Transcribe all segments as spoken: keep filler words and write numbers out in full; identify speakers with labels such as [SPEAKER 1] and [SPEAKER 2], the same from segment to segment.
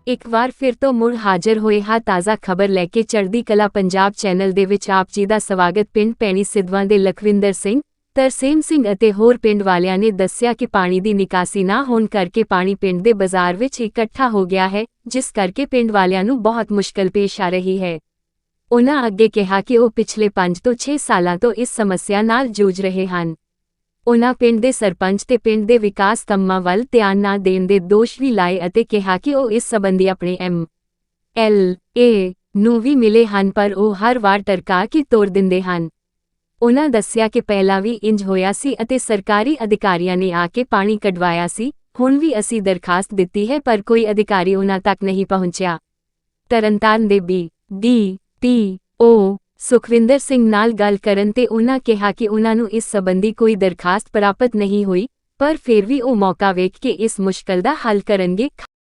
[SPEAKER 1] ਇੱਕ ਵਾਰ ਫਿਰ ਤੋਂ ਮੁੜ ਹਾਜ਼ਰ ਹੋਏ ਹਾਂ ਤਾਜ਼ਾ ਖਬਰ ਲੈ ਕੇ ਚੜ੍ਹਦੀ ਕਲਾ ਪੰਜਾਬ ਚੈਨਲ ਦੇ ਵਿੱਚ ਆਪ ਜੀ ਦਾ ਸਵਾਗਤ। ਪਿੰਡ ਭੈਣੀ ਸਿੱਧਵਾਂ ਦੇ ਲਖਵਿੰਦਰ ਸਿੰਘ, ਤਰਸੇਮ ਸਿੰਘ ਅਤੇ ਹੋਰ ਪਿੰਡ ਵਾਲਿਆਂ ਨੇ ਦੱਸਿਆ ਕਿ ਪਾਣੀ ਦੀ ਨਿਕਾਸੀ ਨਾ ਹੋਣ ਕਰਕੇ ਪਾਣੀ ਪਿੰਡ ਦੇ ਬਾਜ਼ਾਰ ਵਿੱਚ ਇਕੱਠਾ ਹੋ ਗਿਆ ਹੈ, ਜਿਸ ਕਰਕੇ ਪਿੰਡ ਵਾਲਿਆਂ ਨੂੰ ਬਹੁਤ ਮੁਸ਼ਕਲ ਪੇਸ਼ ਆ ਰਹੀ ਹੈ। ਉਨ੍ਹਾਂ ਅੱਗੇ ਕਿਹਾ ਕਿ ਉਹ ਪਿਛਲੇ ਪੰਜ ਤੋਂ ਛੇ ਸਾਲਾਂ ਤੋਂ ਇਸ ਸਮੱਸਿਆ ਨਾਲ ਜੂਝ ਰਹੇ ਹਨ। ਉਨ੍ਹਾਂ ਪਿੰਡ ਦੇ ਸਰਪੰਚ ਤੇ ਪਿੰਡ ਦੇ ਵਿਕਾਸ ਕੰਮਾਂ ਵੱਲ ਧਿਆਨ ਨਾ ਦੇਣ ਦੇ ਦੋਸ਼ ਵੀ ਲਾਏ ਅਤੇ ਕਿਹਾ ਕਿ ਉਹ ਇਸ ਸੰਬੰਧੀ ਆਪਣੇ ਐਮ ਐਲ ਏ ਨੂੰ ਵੀ ਮਿਲੇ ਹਨ, ਪਰ ਉਹ ਹਰ ਵਾਰ ਟਰਕਾ ਕੇ ਤੋੜ ਦਿੰਦੇ ਹਨ। ਉਨ੍ਹਾਂ ਦੱਸਿਆ ਕਿ ਪਹਿਲਾਂ ਵੀ ਇੰਜ ਹੋਇਆ ਸੀ ਅਤੇ ਸਰਕਾਰੀ ਅਧਿਕਾਰੀਆਂ ਨੇ ਆ ਕੇ ਪਾਣੀ ਕਢਵਾਇਆ ਸੀ। ਹੁਣ ਵੀ ਅਸੀਂ ਦਰਖਾਸਤ ਦਿੱਤੀ ਹੈ, ਪਰ ਕੋਈ ਅਧਿਕਾਰੀ ਉਨ੍ਹਾਂ ਤੱਕ ਨਹੀਂ ਪਹੁੰਚਿਆ। ਤਰਨਤਾਰਨ ਦੇ B D T O Sukhwinder Singh ਨਾਲ ਗੱਲ ਕਰਨ ਤੇ ਉਨ੍ਹਾਂ ਕਿਹਾ ਕਿ ਉਨ੍ਹਾਂ ਨੂੰ ਇਸ ਸੰਬੰਧੀ ਕੋਈ ਦਰਖਾਸਤ ਪ੍ਰਾਪਤ ਨਹੀਂ ਹੋਈ, ਪਰ ਫਿਰ ਵੀ ਉਹ ਮੌਕਾ ਵੇਖ ਕੇ ਇਸ ਮੁਸ਼ਕਲ ਦਾ ਹੱਲ ਕਰਨਗੇ।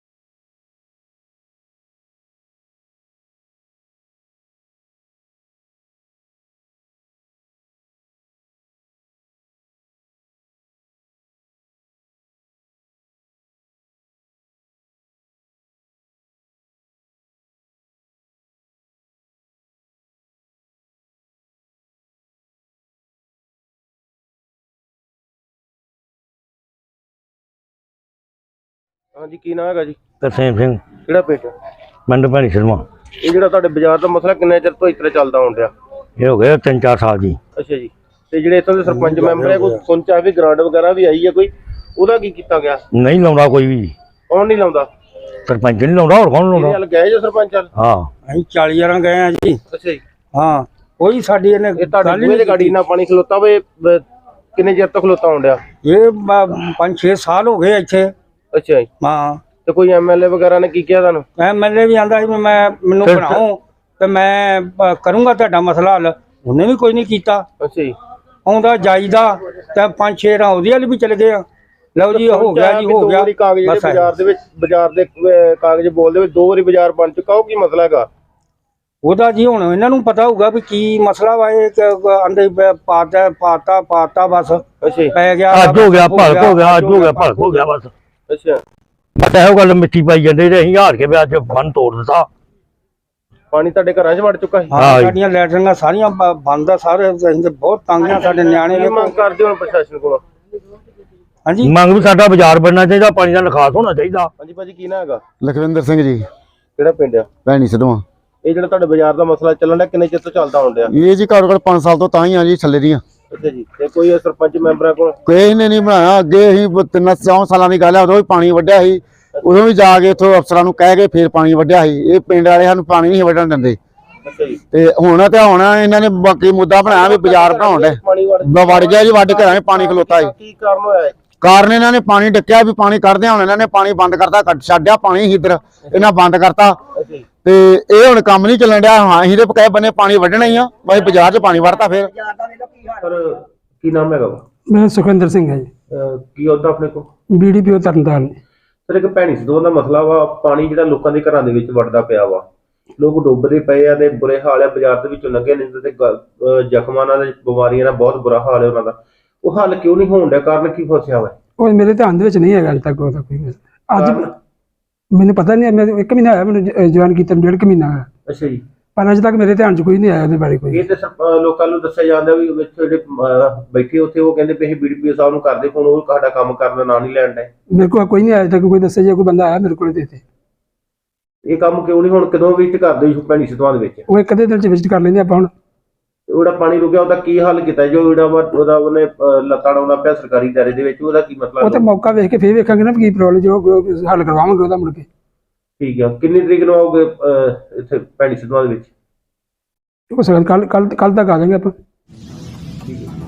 [SPEAKER 2] हाँ जी, की नाम है जी?
[SPEAKER 3] तरसेम सिंह,
[SPEAKER 2] किहड़ा पिंड?
[SPEAKER 3] पिंड भैणी सिद्धवां।
[SPEAKER 2] ये जिहड़ा तुहाडे बाजार दा मसला किन्ने चिर तो इस तरह चलदा होण डिया?
[SPEAKER 3] ये हो गया तीन चार साल जी।
[SPEAKER 2] अच्छा जी। ते जिहड़े इत्थों दे सरपंच मैंबर है, कोई सुनचा भी ग्रांट वगैरह भी आई है कोई, ओहदा की कीता गया?
[SPEAKER 3] नहीं लाउंदा कोई भी,
[SPEAKER 2] कौन नहीं लाउंदा?
[SPEAKER 3] सरपंच नहीं लाउंदा, और कौन लाउंदा?
[SPEAKER 2] हल गए जो सरपंच हल?
[SPEAKER 3] हाँ
[SPEAKER 4] ਅਸੀਂ चाली जरा गए हैं जी।
[SPEAKER 2] अच्छा जी।
[SPEAKER 4] हाँ कोई साडी ने
[SPEAKER 2] ये तुहाडे बूहे ते गाड़ी ना पानी खलोता वे किन्ने चिर तो खलोता होण डिया?
[SPEAKER 4] ये ब- पाँच छे साल हो गए इत्थे।
[SPEAKER 2] अच्छा जी।
[SPEAKER 4] हाँ
[SPEAKER 2] ते कोई एमएलए वगैरह ने की किया तुहानू?
[SPEAKER 4] एम एल ए भी आंदा मैं मैनू
[SPEAKER 3] फिर-
[SPEAKER 4] बनाऊं तो मैं ब- करूंगा तुहाडा मसला हल, उन्हें भी कोई नहीं कीता।
[SPEAKER 2] अच्छा जी।
[SPEAKER 4] आउंदा जाईदा ते पांच छे रां ओहदे हल भी चले गए। लो जी हो गया जी, हो गया।
[SPEAKER 2] कागज
[SPEAKER 4] बस है।
[SPEAKER 2] बाजार दे विच बाजार दे कागज बोल दे दो बारी बाजार बन चुका, हो की मसला हैगा?
[SPEAKER 4] ਉਹਦਾ ਜੀ ਹੁਣ ਇਹਨਾਂ ਨੂੰ ਪਤਾ ਹੋਊਗਾ ਵੀ ਕੀ ਮਸਲਾ ਵਾ। ਇਹ ਆਂਦੇ ਪਾਤਾ ਪਾਤਾ ਪਾਤਾ ਬਸ
[SPEAKER 2] अच्छा जी।
[SPEAKER 4] ਪੈ ਗਿਆ।
[SPEAKER 3] ਅੱਜ ਹੋ ਗਿਆ ਭਲਕ ਹੋ ਗਿਆ, ਅੱਜ ਹੋ ਗਿਆ ਭਲਕ ਹੋ ਗਿਆ ਬਸ।
[SPEAKER 2] अच्छा।
[SPEAKER 3] ਬਸ ਇਹੋ ਗੱਲ ਮਿੱਟੀ ਪਾਈ ਜਾਂਦੇ ਤੇ ਅਸੀਂ ਹਾਰ ਕੇ ਵੀ ਅੱਜ ਬੰਨ ਤੋੜ ਦਿੱਤਾ।
[SPEAKER 2] पानी ਤੁਹਾਡੇ ਘਰਾਂ 'ਚ ਵੜ ਚੁੱਕਾ ਹੈ?
[SPEAKER 4] ਹਾਂ ਸਾਡੀਆਂ ਲੈਟਰਿੰਗਾਂ ਸਾਰੀਆਂ ਬ- ਬੰਦ ਆ ਸਾਰੇ। ਅਸੀਂ ਤੇ ਬਹੁਤ ਤੰਗ ਆ, ਸਾਡੇ ਨਿਆਣੇ
[SPEAKER 2] ਕੀ
[SPEAKER 4] ਨੇ।
[SPEAKER 2] ਮੰਗ ਕਰਦੇ ਹੋ ਪ੍ਰਸ਼ਾਸਨ ਕੋਲੋਂ?
[SPEAKER 4] ਹਾਂਜੀ
[SPEAKER 3] ਮੰਗ ਵੀ ਸਾਡਾ ਬਾਜ਼ਾਰ ਬਣਨਾ ਚਾਹੀਦਾ, ਪਾਣੀ ਦਾ ਨਿਕਾਸ ਹੋਣਾ ਚਾਹੀਦਾ।
[SPEAKER 2] ਹਾਂਜੀ ਭਾਜੀ, ਕੀ ਨਾ ਹੈਗਾ?
[SPEAKER 5] ਲਖਵਿੰਦਰ ਸਿੰਘ ਜੀ,
[SPEAKER 2] ਕਿਹੜਾ ਪਿੰਡ ਆ?
[SPEAKER 5] ਭੈਣੀ ਸਿੱਧਵਾਂ।
[SPEAKER 2] ਇਹ ਜਿਹੜਾ ਤੁਹਾਡੇ ਬਾਜ਼ਾਰ ਦਾ ਮਸਲਾ ਚੱਲਣ ਡਿਆ, ਕਿੰਨੇ ਚਿਰ ਤੋਂ ਚੱਲਦਾ ਹੋਣ ਡਿਆ?
[SPEAKER 5] ਇਹ ਜੀ ਘੱਟੋ ਘੱਟ ਪੰਜ ਸਾਲ ਤੋਂ ਤਾਂ ਹੀ ਆ ਜੀ ਥੱਲੇ ਦੀਆਂ।
[SPEAKER 2] ਅੱਛਾ ਜੀ। ਤੇ ਕੋਈ ਸਰਪੰਚ ਮੈਂਬਰਾਂ ਕੋਲ?
[SPEAKER 5] ਕਿਸੇ ਨੇ ਨਹੀਂ ਬਣਾਇਆ। ਅੱਗੇ ਅਸੀਂ ਤਿੰਨ ਚੌਂ ਸਾਲਾਂ ਦੀ ਗੱਲ ਹੈ, ਉਦੋਂ ਵੀ ਪਾਣੀ ਵੱਢਿਆ ਸੀ। ਉਦੋਂ ਵੀ ਜਾ ਕੇ ਉੱਥੋਂ ਅਫਸਰਾਂ ਨੂੰ ਕਹਿ ਕੇ ਫਿਰ ਪਾਣੀ ਵੱਢਿਆ ਸੀ। ਇਹ ਪਿੰਡ ਵਾਲੇ ਸਾਨੂੰ ਪਾਣੀ ਨਹੀਂ ਵੱਢਣ ਦਿੰਦੇ।
[SPEAKER 2] ਅੱਛਾ ਜੀ।
[SPEAKER 5] ਤੇ ਹੁਣ ਤੇ ਹੁਣ ਇਹਨਾਂ ਨੇ ਬਾਕੀ ਮੁੱਦਾ ਬਣਾਇਆ ਵੀ ਬਾਜ਼ਾਰ ਬਣਾਉਣ ਦੇ
[SPEAKER 2] ਪਾਣੀ ਵੜ
[SPEAKER 5] ਵੜ ਗਿਆ ਜੀ, ਵੱਢ ਘਰਾਂ 'ਚ ਪਾਣੀ ਖਲੋਤਾ ਸੀ।
[SPEAKER 2] ਕੀ ਕਾਰਨ ਹੋਇਆ ਹੈ?
[SPEAKER 5] ਕਾਰਨ ਇਹਨਾਂ ਨੇ ਪਾਣੀ ਡੱਕਿਆ ਵੀ ਪਾਣੀ ਕੱਢਦੇ, ਹੁਣ ਇਹਨਾਂ ਨੇ ਪਾਣੀ ਬੰਦ ਕਰਤਾ, ਕੱਢ ਛੱਡਿਆ ਪਾਣੀ ਸੀ ਇੱਧਰ, ਇਹਨਾਂ ਬੰਦ ਕਰਤਾ।
[SPEAKER 2] ਅੱਛਾ ਜੀ।
[SPEAKER 5] ਤੇ ਇਹ ਹੁਣ ਕੰਮ ਨਹੀਂ ਚੱਲਣ ਡਿਆ। ਹਾਂ ਅਸੀਂ ਤੇ ਕਹੇ ਬੰਨੇ ਪਾਣੀ ਵੱਢਣਾ ਹੀ ਆ, ਬਸ ਬਾਜ਼ਾਰ 'ਚ ਪਾਣੀ ਵੜਤਾ ਫਿਰ।
[SPEAKER 2] ਸਰ ਕੀ ਨਾਮ ਹੈਗਾ?
[SPEAKER 6] मैं सुखविंदर सिंह है जी,
[SPEAKER 2] ਅਹ ਕੀ ਉਹਦਾ ਆਪਣੇ ਕੋਲ?
[SPEAKER 6] B D P O Tarn Taran.
[SPEAKER 2] Sir ਇੱਕ ਭੈਣੀ ਸਿੱਧਵਾਂ ਦਾ ਮਸਲਾ ਵਾ, ਪਾਣੀ ਜਿਹੜਾ ਲੋਕਾਂ ਦੇ ਘਰਾਂ ਦੇ ਵਿੱਚ ਵੜਦਾ ਪਿਆ ਵਾ, ਲੋਕ ਡੁੱਬਦੇ ਪਏ ਆ ਤੇ ਬੁਰੇ ਹਾਲ ਆ। ਬਾਜ਼ਾਰ ਦੇ ਵਿੱਚੋਂ ਲੰਘੇ ਨਹੀਂ ਤੇ ਗ- ਜ਼ਖਮਾਂ ਨਾਲ, ਬਿਮਾਰੀਆਂ ਨਾਲ ਬਹੁਤ ਬੁਰਾ ਹਾਲ ਹੈ ਉਹਨਾਂ ਦਾ। ਉਹ ਹੱਲ ਕਿਉਂ ਨਹੀਂ ਹੋਣ ਡਿਆ? ਕਾਰਨ ਕੀ ਫਸਿਆ ਵਾ?
[SPEAKER 6] ਉਹ ਮੇਰੇ ਧਿਆਨ ਦੇ ਵਿੱਚ ਨਹੀਂ ਹੈਗਾ ਅਜੇ ਤੱਕ ਉਹਦਾ ਕੋਈ ਮਸਲਾ। ਅੱਜ ਮੈਨੂੰ ਪਤਾ ਨਹੀਂ, ਮੈਂ ਇੱਕ ਮਹੀਨਾ ਹੋਇਆ ਮੈਨੂੰ ਜੁਆਇਨ ਕੀਤਾ, ਡੇਢ ਕੁ ਮਹੀਨਾ ਹੋਇਆ,
[SPEAKER 2] ਅੱਛਾ ਜੀ।
[SPEAKER 6] ਪਰ ਅਜੇ ਤੱਕ ਮੇਰੇ ਧਿਆਨ 'ਚ ਕੋਈ ਨਹੀਂ ਆਇਆ ਉਹਦੇ ਬਾਰੇ ਕੋਈ।
[SPEAKER 2] ਇਹ ਤੇ ਸਰਪ- ਅਹ ਲੋਕਾਂ ਨੂੰ ਦੱਸਿਆ ਜਾਂਦਾ ਵੀ ਵਿੱਚ ਜਿਹੜੇ ਅਹ ਬੈਠੇ ਉੱਥੇ ਉਹ ਕਹਿੰਦੇ ਵੀ ਅਸੀਂ ਬੀਡੀਪੀਓ ਸਾਹਿਬ ਨੂੰ ਕਰਦੇ ਫੋਨ, ਉਹ ਸਾਡਾ ਕੰਮ ਕਰਨ ਦਾ ਨਾਂ ਨਹੀਂ ਲੈਣ ਡਏ।
[SPEAKER 6] ਮੇਰੇ ਕੋਲ ਕੋਈ ਨਹੀਂ ਆਇਆ ਅਜੇ ਤੱਕ ਕੋਈ ਦੱਸੇ, ਜੇ ਕੋਈ ਬੰਦਾ ਆਇਆ ਮੇਰੇ ਕੋਲ ਦੇ ਦੇ।
[SPEAKER 2] ਇਹ ਕੰਮ ਕਿਉਂ ਨਹੀਂ ਹੁਣ ਕਦੋਂ ਵਿਜ਼ਿਟ ਕਰਦੇ ਹੋ ਭੈਣੀ ਸਿੱਧਵਾਂ ਦੇ ਵਿੱਚ?
[SPEAKER 6] ਉਹ ਇੱਕ ਅੱਧੇ ਦਿਨ 'ਚ ਵਿਜ਼ਿਟ ਕਰ ਲੈਂਦੇ ਆਪਾਂ ਹੁਣ।
[SPEAKER 2] ਉਹਦਾ ਪਾਣੀ ਰੁਕਿਆ, ਉਹਦਾ ਕੀ ਹੱਲ ਕੀਤਾ? ਜੋ ਜਿਹੜਾ ਵਾ ਉਹਦਾ ਉਹਨੇ ਅਹ ਲੱਤਾਂ ਡਾਉਂਦਾ ਪਿਆ ਸਰਕਾਰੀ ਦਾਇਰੇ ਦੇ ਵਿੱਚ, ਉਹਦਾ ਕੀ ਮਸਲਾ?
[SPEAKER 6] ਉਹ ਤੇ ਮੌਕਾ ਵੇਖ ਕੇ ਫੇਰ ਵੇਖਾਂਗੇ ਨਾ ਵੀ ਕੀ ਪ੍ਰੋਬਲਮ, ਜੋ ਹੱਲ ਕਰਵਾਵਾਂਗੇ ਉਹਦਾ ਮੁੜ ਕੇ।
[SPEAKER 2] ਠੀਕ ਆ। ਕਿੰਨੀ ਤਰੀਕ ਨੂੰ ਆਓਗੇ ਅਹ ਇੱਥੇ ਭੈਣੀ ਸਿੱਧਵਾਂ ਦੇ ਵਿੱਚ?
[SPEAKER 6] ਹੋ ਸਕਦਾ ਕੱਲ ਕੱਲ ਕੱਲ ਤੱਕ ਆ ਜਾਵਾਂਗੇ ਆਪਾਂ।
[SPEAKER 2] ਠੀਕ ਹੈ।